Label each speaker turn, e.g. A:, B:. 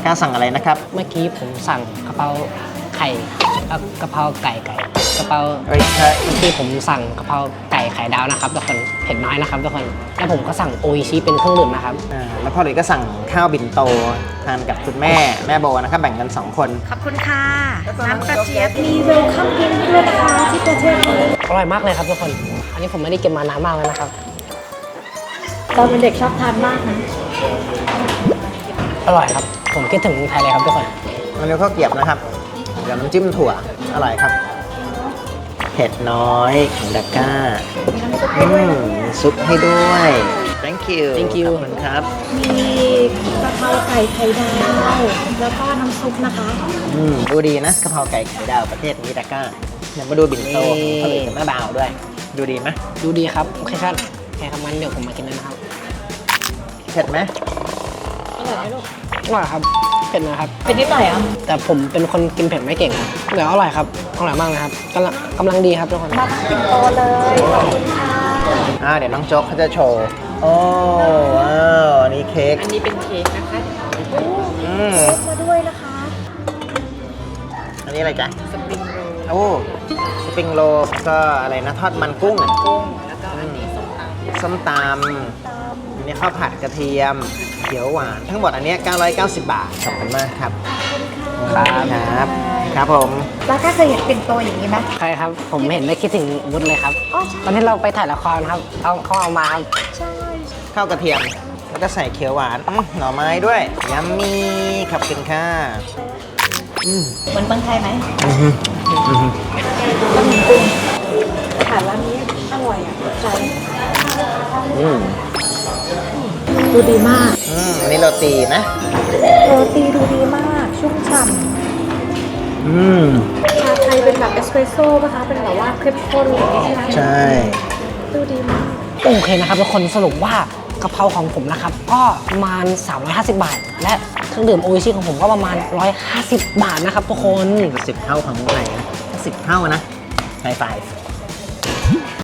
A: ก้าสั่งอะไรนะครับ
B: เมื่อกี้ผมสั่งกะเพราไข่แล้วกะเพราไก่กะเพรา
A: เอ้ยใช่
B: เมื่อกี้ผมสั่งกะเพราไก่ไข่ดาวนะครับทุกคนเผ็ดน้อยนะครับทุกคนแล้วผมก็สั่งโออิชิเป็นเครื่องดื่มนะครับ
A: แล้วพ่อหลุยก็สั่งข้าวบินโตทานกับคุณแม่โบนะครับแบ่งกัน2 คน
C: ขอบคุณค่ะ น้ำกระเจี๊ยบมีเวลคัมดิ้งด้วยนะคะที่ประเทศนี้
B: อร่อยมากเลยครับทุกคนอันนี้ผมไม่ได้กินมานานมากแล้วนะครับ
C: ตอนเป็นเด็กชอบทานมากนะ
B: อร่อยครับผมคิดถึงไทยเลยครับทุกคน
A: มันเรียกข้าวเกรี๊ยบนะครับกับน้ำจิ้มถั่วอร่อยครับเผ็ดน้อยของดาก้ามีซุปให้ด้วย thank you ขอบคุณครับ
C: มีกะเพราไก่ไข่ดาวแล้วก็น้ำซุปนะคะ
A: ดูดีนะกะเพราไก่ไข่ดาวประเทศนี้ดาก้าเดี๋ยวมาดูบินโตของพ่อหลุยกับแม่บ่าวด้วย ดูดีไหม
B: ดูดีครับโอเคครับงั้นเดี๋ยวผมมากินเลยนะครับ
A: เผ็ดไหม
B: อร่อยไหมลูกอร่อยครับเผ็ดนะครับ
C: เป็นนิดหน่อยอ่ะ
B: แต่ผมเป็นคนกินเผ็ดไม่เก่งครับเดี๋ยวอร่อยครับอร่อยมากนะครับกำลังดีครับทุกคน
C: มาปิ่นโตเลยขอบคุณค่ะ
A: เดี๋ยวน้องโจ๊กเขาจะโชว์โอ้ว้าวอันนี้เค้ก
C: อันนี้เป็นเค้กนะคะ
A: อืม
C: เค้กมาด้วยนะคะ
A: อันนี้อะไรจ๊ะ
C: สปริงโรล
A: โอ้สปริงโรลก็อะไรนะทอดมันกุ้ง
C: กุ้งแล้วก็อันนี้ส้มตำ
A: ส้มตำอันนี้ข้าวผัดกระเทียมเขียวหวานทั้งหมดอันเนี้ย990 บาทขอบคุณมากครับครับครับผม
C: แล้วก็เคยเห็นปิ่นโตอย่างนี้ไหม
B: ใช่ครับผมเห็นได้คิดถึงวุฒิเลยครับ
C: อ๋อใช่
B: ตอนที่เราไปถ่ายละครครับเขาเอามาครับ
C: ใช่
A: ข้าวกระเทียมแล้วก็ใส่เขียวหวานหน่อไม้ด้วยยัมมี่ขอบคุณค่ะ
C: เหมือนเมืองไทยไหม
A: อือฮึอือฮึ
C: บะหมี่กุ้งอาหารร้านนี้อร่อยอ่ะถูกใจ
A: อืม
C: ดูดีมาก
A: อันนี้โรตีนะ
C: โรตีดูดีมาก ชุ่มฉ่
A: อืม
C: ำชาไทยเป็นแบบเอสเปรสโซ่ป่ะคะ เป็นแบบว่าเข้มข้นอย่างนี้ใช่ไหม
A: ใช่
C: ดูดีมาก
B: โอเคนะครับทุกคนสรุปว่ากะเพราของผมนะครับก็ประมาณ350 บาท และเครื่องดื่มโออิชิของผมก็ประมาณ150 บาทนะครับทุกคน
A: 10 เท่าของเมืองไทยนะ10 เท่านะไฮไฟว์